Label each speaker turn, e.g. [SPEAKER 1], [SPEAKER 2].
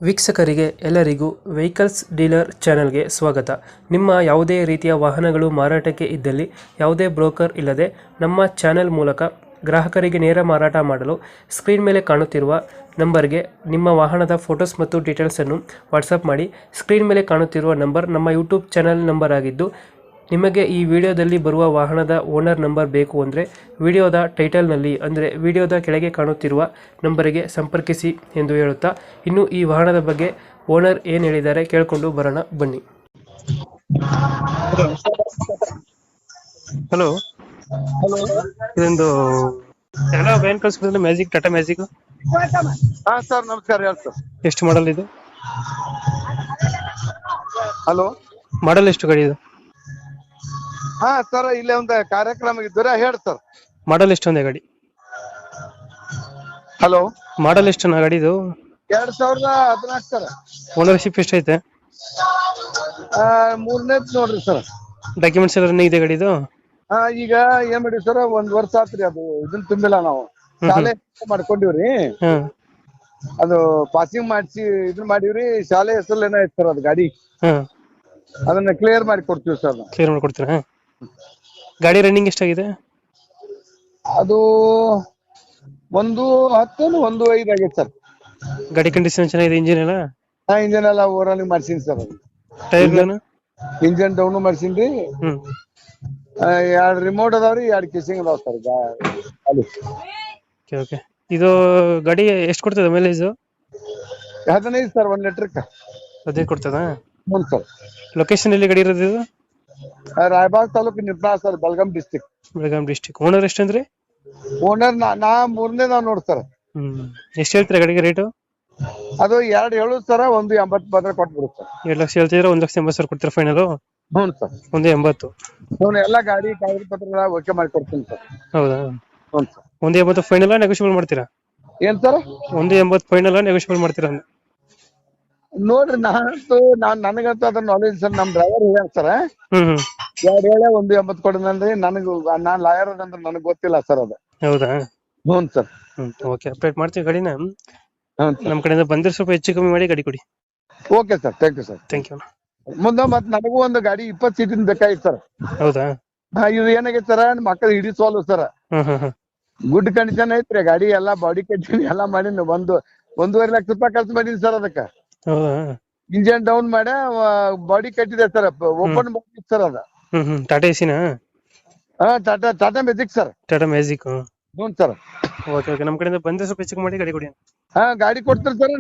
[SPEAKER 1] ವೀಕ್ಷಕರಿಗೆ ಎಲ್ಲರಿಗೂ vehicles dealer ಚಾನೆಲ್ಗೆ ಸ್ವಾಗತ. ನಿಮ್ಮ ಯಾವುದೇ ರೀತಿಯ ವಾಹನಗಳು ಮಾರಾಟಕ್ಕೆ ಇದ್ದಲ್ಲಿ ಯಾವುದೇ ಬ್ರೋಕರ್ ಇಲ್ಲದೆ ನಮ್ಮ ಚಾನೆಲ್ ಮೂಲಕ ಗ್ರಾಹಕರಿಗೆ ನೇರ ಮಾರಾಟ ಮಾಡಲು ಸ್ಕ್ರೀನ್ ಮೇಲೆ ಕಾಣುತ್ತಿರುವ ನಂಬರ್ಗೆ ನಿಮ್ಮ ವಾಹನದ ಫೋಟೋಸ್ ಮತ್ತು ಡೀಟೇಲ್ಸನ್ನು ವಾಟ್ಸಪ್ ಮಾಡಿ. ಸ್ಕ್ರೀನ್ ಮೇಲೆ ಕಾಣುತ್ತಿರುವ ನಂಬರ್ ನಮ್ಮ ಯೂಟ್ಯೂಬ್ ಚಾನೆಲ್ ನಂಬರ್ ಆಗಿದ್ದು, ನಿಮಗೆ ಈ ವಿಡಿಯೋದಲ್ಲಿ ಬರುವ ವಾಹನದ ಓನರ್ ನಂಬರ್ ಬೇಕು ಅಂದರೆ ವಿಡಿಯೋದ ಟೈಟಲ್ನಲ್ಲಿ ಅಂದರೆ ವಿಡಿಯೋದ ಕೆಳಗೆ ಕಾಣುತ್ತಿರುವ ನಂಬರಿಗೆ ಸಂಪರ್ಕಿಸಿ ಎಂದು ಹೇಳುತ್ತಾ, ಇನ್ನು ಈ ವಾಹನದ ಬಗ್ಗೆ ಓನರ್ ಏನು ಹೇಳಿದ್ದಾರೆ ಕೇಳಿಕೊಂಡು ಬರೋಣ ಬನ್ನಿ. ಹಲೋ, ಇದೊಂದು ಎಲ್ಲ ವ್ಯಾನ್ ಕಳಿಸ್ಬಿಟ್ಟಿದ್ರೆ ಮ್ಯಾಜಿಕ್, ಟಾಟಾ ಮ್ಯಾಜಿಕ್.
[SPEAKER 2] ಹಾ ಸರ್, ನಮಸ್ಕಾರ. ಹೇಳಿ ಸರ್.
[SPEAKER 1] ಎಷ್ಟು ಮಾಡಲ್ ಇದು?
[SPEAKER 2] ಹಲೋ,
[SPEAKER 1] ಮಾಡಲ್ ಎಷ್ಟು ಗಾಡಿ ಇದು?
[SPEAKER 2] ಹಾ ಸರ್, ಇಲ್ಲೇ ಒಂದು ಕಾರ್ಯಕ್ರಮ ಇದ್ದೀರಾ? ಹೇಳಿ ಸರ್.
[SPEAKER 1] ಮಾಡಲ್ ಎಷ್ಟು ಒಂದೇ ಗಾಡಿ?
[SPEAKER 2] ಹಲೋ,
[SPEAKER 1] ಮಾಡಲ್ ಎಷ್ಟು ನಾ ಗಾಡಿ ಇದು?
[SPEAKER 2] 2014 ಸರ್.
[SPEAKER 1] ಓನರ್ಶಿಪ್ ಎಷ್ಟೈತೆ?
[SPEAKER 2] ಮೂರನೇದ್ ನೋಡ್ರಿ ಸರ್.
[SPEAKER 1] ಡಾಕ್ಯುಮೆಂಟ್ಸ್ ಎಲ್ಲ ರನ್ನಿಂಗ್ ಇದೆ ಗಾಡಿದು?
[SPEAKER 2] ಈಗ ಏನ್ ಮಾಡಿ ಸರ್, 1 ವರ್ಷ ಆತ್ರಿ. ಅದು ಇದನ್ನ ತುಂಬಿಲ್ಲ ನಾವು. ಶಾಲೆ ಮಾಡ್ಕೊಂಡಿವ್ರಿ. ಅದು ಪಾಸಿಂಗ್ ಮಾಡಿಸಿ ಇದನ್ನ ಮಾಡಿವ್ರಿ. ಶಾಲೆ ಹೆಸರು ಏನೋ ಐತಿ ಸರ್ ಅದು ಗಾಡಿ. ಅದನ್ನ ಕ್ಲಿಯರ್ ಮಾಡಿ ಕೊಡ್ತೀವಿ ಸರ್.
[SPEAKER 1] ಕ್ಲಿಯರ್ ಮಾಡ್ಕೊಡ್ತೀರಾ? ಗಾಡಿ ರನ್ನಿಂಗ್ ಎಷ್ಟಾಗಿದೆ?
[SPEAKER 2] ಅದು 110 105 ಆಗೈತೆ ಸರ್.
[SPEAKER 1] ಗಾಡಿ ಕಂಡೀಷನ್ ಚೆನ್ನಾಗಿದೆ? ಇಂಜಿನ್ ಎಲ್ಲ?
[SPEAKER 2] ಇಂಜನ್ ಎಲ್ಲ ಓವರಾಲ್ ಮಾಡ್ಸೀನಿ ಸರ್.
[SPEAKER 1] ಟೈರ್ಗಳನ್ನು?
[SPEAKER 2] ಇಂಜನ್ ಡೌನ್ ಮಾಡ್ಸೀನ್ರಿ. 2 ರಿಮೋಟ್ ಅದಾವ್ರಿ, 2 ಕಿಸಿಂಗ್ ಅದಾವ ಸರ್. ಅಲ್ಲಿ
[SPEAKER 1] ಓಕೆ. ಇದು ಗಾಡಿ ಎಷ್ಟು ಕೊಡ್ತದೆ ಮೈಲೇಜ್?
[SPEAKER 2] 15 ಸರ್, 1 ಲೀಟರ್ಕ್ಕೆ
[SPEAKER 1] 15 ಕೊಡ್ತದ?
[SPEAKER 2] ಹ್ಞೂ ಸರ್.
[SPEAKER 1] ಲೊಕೇಶನ್ ಎಲ್ಲಿ ಗಾಡಿ ಇರೋದು ಇದು?
[SPEAKER 2] Raibag taluk, Nipani sir, Belgaum district.
[SPEAKER 1] Belgaum district. Owner ಎಷ್ಟು ಅಂದ್ರೆ?
[SPEAKER 2] ಓನರ್ ನಾ ಮೂರನೇ ನಾವು ನೋಡಿ ಸರ್.
[SPEAKER 1] ಎಷ್ಟು ಹೇಳ್ತೀರಾ ಗಾಡಿಗೆ ರೇಟು?
[SPEAKER 2] ಅದು 2 ಹೇಳುದು ಸರ್, 180 ಬಂದ್ರೆ ಕೊಟ್ಬಿಡು ಸರ್.
[SPEAKER 1] 2 ಲಕ್ಷ ಹೇಳ್ತಿದ್ರೆ 1,80,000 ಕೊಡ್ತೀರಾ ಫೈನಲ್?
[SPEAKER 2] ಹ್ಞೂ ಸರ್.
[SPEAKER 1] 180.
[SPEAKER 2] ಹ್ಞೂ, ಎಲ್ಲ ಗಾಡಿ ಕಾಗದ ಪತ್ರಗಳ ಓಕೆ ಮಾಡಿ ಕೊಡ್ತೀನಿ ಸರ್.
[SPEAKER 1] ಹೌದಾ?
[SPEAKER 2] ಹ್ಞೂ ಸರ್.
[SPEAKER 1] 180 ಫೈನಲ್ ನೆಗೋಷಿಯಬಲ್ ಮಾಡ್ತೀರಾ?
[SPEAKER 2] ಏನ್ ಸರ್?
[SPEAKER 1] 180 ಫೈನಲ್ ನೆಗೋಷಿಯಬಲ್ ಮಾಡ್ತೀರಾ?
[SPEAKER 2] ನೋಡ್ರಿ, ನನಗಂತೂ ಅದ್ರ ನಾಲೆಜ್ ಸರ್. ನಮ್ ಡ್ರೈವರ್ ಹೇಳ್ಯಾರ ಸರ್. 2 ಹೇಳ 180 ಕೊಡೋದಂದ್ರಿ. ನಾನ್ ಲಾಯರ್ ಅಂದ್ರೆ ನನಗ್ ಗೊತ್ತಿಲ್ಲ ಸರ್ ಅದು.
[SPEAKER 1] ಹೌದಾ?
[SPEAKER 2] ಹ್ಞೂ ಸರ್.
[SPEAKER 1] ಓಕೆ, ಅಪ್ಡೇಟ್ ಮಾಡ್ತೀವಿ ಗಾಡಿನ.
[SPEAKER 2] ಹ್ಞೂ
[SPEAKER 1] ನಮ್ಮ ಕಡೆಯಿಂದ ಬಂದ್ರೆ ಸ್ವಲ್ಪ ಹೆಚ್ಚು ಕಮ್ಮಿ ಮಾಡಿ ಗಾಡಿ ಕೊಡಿ.
[SPEAKER 2] Okay sir, thank you sir.
[SPEAKER 1] Thank you.
[SPEAKER 2] ಮುಂದೆ ಮತ್ ನನಗೂ ಒಂದು ಗಾಡಿ 20 ಸೀಟಿನ ಬೇಕಾಗಿತ್ತು ಸರ್.
[SPEAKER 1] ಹೌದಾ?
[SPEAKER 2] ಇದು ಏನಾಗೈತೆ ಸರ್, ಮಕ್ಕಳು ಹಿಡಿಸೋಲ್ವು ಸರ್. ಗುಡ್ ಕಂಡೀಷನ್ ಐತ್ರಿ ಗಾಡಿ. ಎಲ್ಲಾ ಬಾಡಿ ಕಟ್ಟಿನಿ, ಎಲ್ಲಾ ಮಾಡೀನಿ. 1.5 ಲಕ್ಷ ರೂಪಾಯಿ ಖರ್ಚು ಮಾಡೀನಿ ಸರ್ ಅದಕ್ಕ.
[SPEAKER 1] ಹೌದಾ?
[SPEAKER 2] ಇಂಜನ್ ಡೌನ್ ಮಾಡಿ ಬಾಡಿ ಕಟ್ಟಿದೆ ಸರ್. ಓಪನ್ ಮಾಡಿ ಸರ್ ಅದ.
[SPEAKER 1] ಟಾಟಾ ಎಸಿನಾ?
[SPEAKER 2] Tata magic sir.
[SPEAKER 1] Tata magic.
[SPEAKER 2] ಹ್ಞೂ ಸರ್.
[SPEAKER 1] ಓಕೆ ಓಕೆ, ನಮ್ಮ ಕಡೆಯಿಂದ ಬಂದ್ರೆ ಸ್ವಲ್ಪ ಹೆಚ್ಚು ಮಾಡಿ ಗಾಡಿ ಕೊಡಿ.
[SPEAKER 2] ಗಾಡಿ ಕೊಡ್ತೀರಿ ಸರ್.